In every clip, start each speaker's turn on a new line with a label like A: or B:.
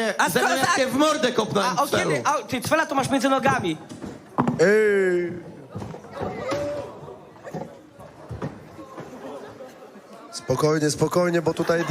A: Ze mną jak cię w mordę kopnąłem
B: A o kiedy? A, ty cwela to masz między nogami.
C: Ej. Spokojnie, spokojnie, bo tutaj...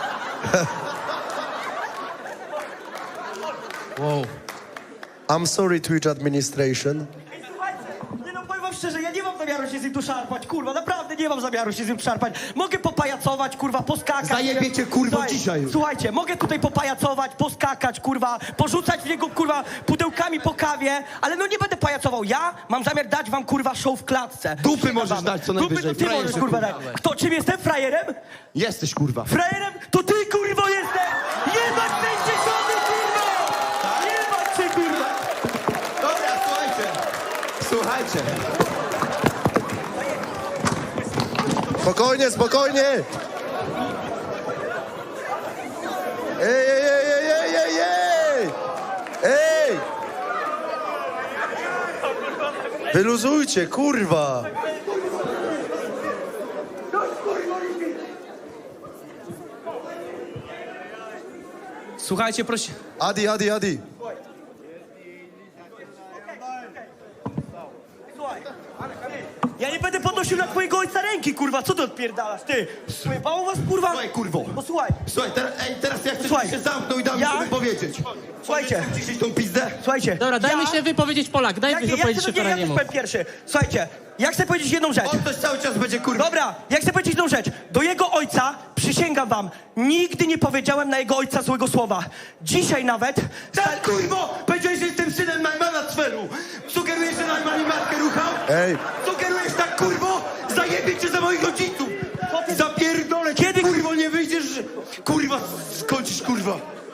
A: Wow.
C: I'm sorry, Twitch administration.
B: Nie no, powiem wam szczerze, ja nie mam zamiaru się z nim tu szarpać, kurwa, naprawdę nie mam zamiaru się z nim szarpać. Mogę popajacować, kurwa, poskakać.
A: Zajebie cię, kurwo,
B: Słuchaj,
A: dzisiaj już.
B: Słuchajcie, mogę tutaj popajacować, poskakać, kurwa, porzucać w niego, kurwa, pudełkami po kawie, ale no nie będę pajacował. Ja mam zamiar dać wam, kurwa, show w klatce.
A: Dupy możesz dać co najwyżej,
B: Dupy to ty
A: frajerze,
B: możesz, kurwa, dać.
A: kurwa.
B: Kto, czym jestem? Frajerem?
A: Jesteś, kurwa.
B: Frajerem? To ty, kurwo, jesteś! Jebać ten cieszony, kurwa! Jebać cię, kurwa!
A: Dobra, słuchajcie.
C: Spokojnie, spokojnie! Ej, ej, ej, ej, ej, ej! Ej! Wyluzujcie, kurwa!
D: Słuchajcie, proszę.
C: Adi, Adi, Adi!
B: Słuchaj, ja nie będę podnosił na twojego ojca ręki, kurwa, co ty odpierdalasz, ty? Pojebało was, kurwa?
A: Słuchaj, kurwo.
B: Posłuchaj,
A: Słuchaj, teraz ja chcę,
B: Słuchaj.
A: żebyś się zamknął i dał mi
B: Ja?
A: się wypowiedzieć.
B: Słuchajcie.
A: Ciszyć tą pizdę?
B: słuchajcie.
D: Dobra, dajmy się wypowiedzieć Polak, dajmy się wypowiedzieć się
B: ja
D: Ferrariemu.
B: powiem pierwszy. Słuchajcie, ja chcę powiedzieć jedną rzecz.
A: On też cały czas będzie, kurwa.
B: Dobra, ja chcę powiedzieć jedną rzecz. Do jego ojca, przysięgam wam, nigdy nie powiedziałem na jego ojca złego słowa. Dzisiaj nawet...
A: Tak, kurwo! Powiedziałeś, że jestem synem Najmana Cweru. Sugerujesz, że Najman i matkę ruchał?
C: Ej!
A: Sugerujesz tak, kurwo? Zajebie cię za moich rodziców! Zapierdolę cię,
B: Kiedy-
A: kurwo, nie wyjdziesz, że... Kurwa, skończysz, kurwa.